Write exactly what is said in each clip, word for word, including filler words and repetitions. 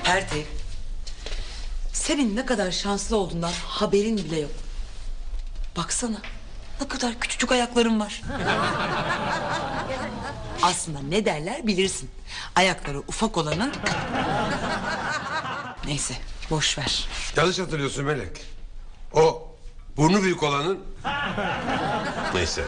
Pertev, senin ne kadar şanslı olduğundan haberin bile yok. Baksana, ne kadar küçücük ayakların var. Aslında ne derler bilirsin. Ayakları ufak olanın... Neyse, boş ver. Yanlış hatırlıyorsun Melek. O burnu büyük olanın... Neyse.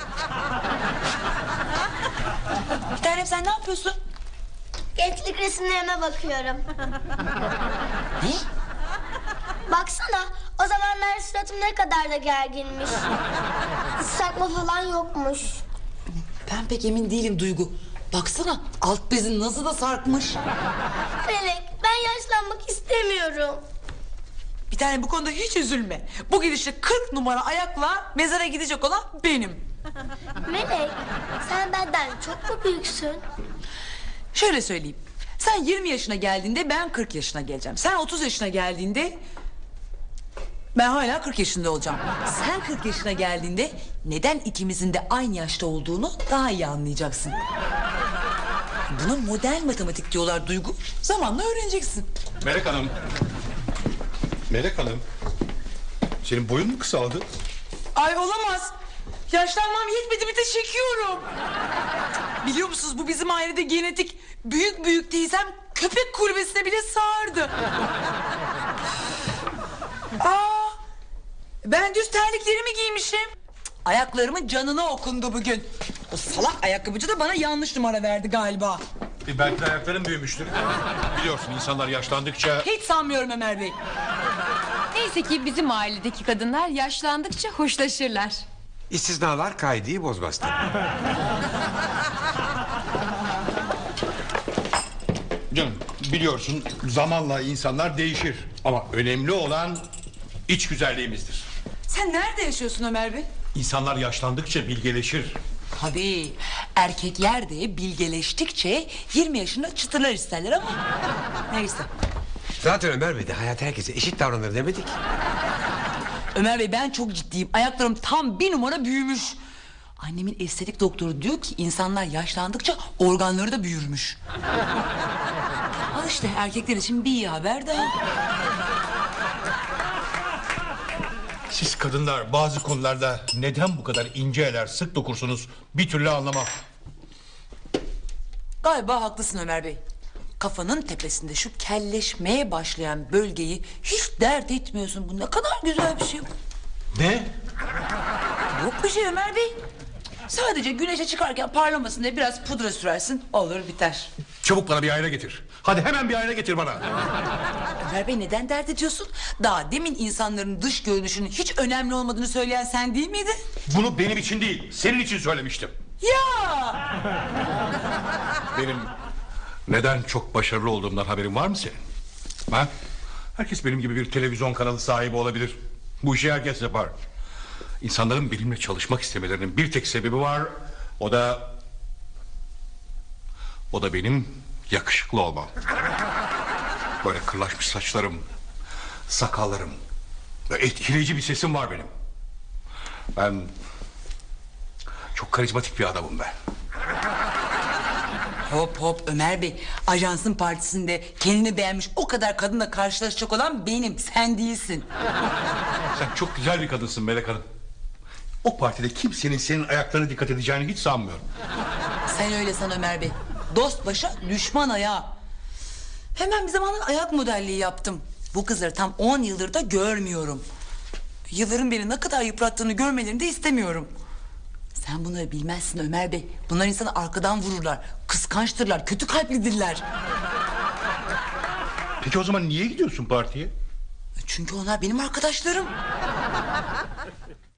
Bir tanem, sen ne yapıyorsun? Gençlik resimlerime bakıyorum. Ne? Baksana, o zamanlar suratım ne kadar da gerginmiş. Islatma falan yokmuş. Ben pek emin değilim Duygu. Baksana, alt bezin nasıl da sarkmış. Melek, ben yaşlanmak istemiyorum. Bir tane bu konuda hiç üzülme. Bu gidişle kırk numara ayakla mezara gidecek olan benim. Melek, sen benden çok mu büyüksün? Şöyle söyleyeyim. Sen yirmi yaşına geldiğinde ben kırk yaşına geleceğim. Sen otuz yaşına geldiğinde ben hala kırk yaşında olacağım. Sen kırk yaşına geldiğinde neden ikimizin de aynı yaşta olduğunu daha iyi anlayacaksın. Buna modern matematik diyorlar Duygu. Zamanla öğreneceksin. Melek Hanım. Melek Hanım. Senin boyun mu kısaldı? Ay olamaz. Yaşlanmam yetmedi, bir de çekiyorum. Biliyor musunuz, bu bizim ailede genetik. Büyük büyük teyzem köpek kulübesine bile sığardı. Aa, ben düz terliklerimi giymişim. Ayaklarımın canına okundu bugün. O salak ayakkabıcı da bana yanlış numara verdi galiba. E belki de ayakların büyümüştür. Biliyorsun insanlar yaşlandıkça... Hiç sanmıyorum Ömer Bey. Neyse ki bizim ailedeki kadınlar yaşlandıkça hoşlaşırlar. İstisnalar kaideyi bozmaz tabii. Canım biliyorsun zamanla insanlar değişir. Ama önemli olan iç güzelliğimizdir. Sen nerede yaşıyorsun Ömer Bey? İnsanlar yaşlandıkça bilgeleşir. Tabii, erkekler de bilgeleştikçe yirmi yaşında çıtırlar isterler ama... Neyse. Zaten Ömer Bey de hayat herkese eşit davranır demedik. Ömer Bey, ben çok ciddiyim. Ayaklarım tam bir numara büyümüş. Annemin estetik doktoru diyor ki insanlar yaşlandıkça organları da büyürmüş. Al işte, erkekler için bir iyi haber daha. Siz kadınlar bazı konularda neden bu kadar ince eller sık dokursunuz bir türlü anlamam. Galiba haklısın Ömer Bey. Kafanın tepesinde şu kelleşmeye başlayan bölgeyi hiç dert etmiyorsun. Bu ne kadar güzel bir şey. Ne? Yok bir şey Ömer Bey. Sadece güneşe çıkarken parlamasın diye biraz pudra sürersin. Olur biter. Çabuk bana bir ayna getir. Hadi hemen bir ayna getir bana. Ömer Bey, neden dert ediyorsun? Daha demin insanların dış görünüşünün hiç önemli olmadığını söyleyen sen değil miydin? Bunu benim için değil, senin için söylemiştim. Ya! Benim neden çok başarılı olduğumdan haberin var mı senin? Ha? Herkes benim gibi bir televizyon kanalı sahibi olabilir. Bu işi herkes yapar. İnsanların benimle çalışmak istemelerinin bir tek sebebi var. O da... O da benim yakışıklı olmam. Böyle kırlaşmış saçlarım, sakallarım ve etkileyici bir sesim var benim. Ben çok karizmatik bir adamım ben. Hop hop Ömer Bey. Ajansın partisinde kendini beğenmiş o kadar kadınla karşılaşacak olan benim. Sen değilsin. Sen çok güzel bir kadınsın Melek Hanım. O partide kimsenin senin ayaklarına dikkat edeceğini hiç sanmıyorum. Sen öyle san Ömer Bey. Dost başa düşman ayağa. Hemen bir zamanlar ayak modelliği yaptım. Bu kızları tam on yıldır da görmüyorum. Yılların beni ne kadar yıprattığını görmelerini de istemiyorum. Sen bunları bilmezsin Ömer Bey. Bunlar insanı arkadan vururlar. Kıskançtırlar, kötü kalplidirler. Peki o zaman niye gidiyorsun partiye? Çünkü onlar benim arkadaşlarım.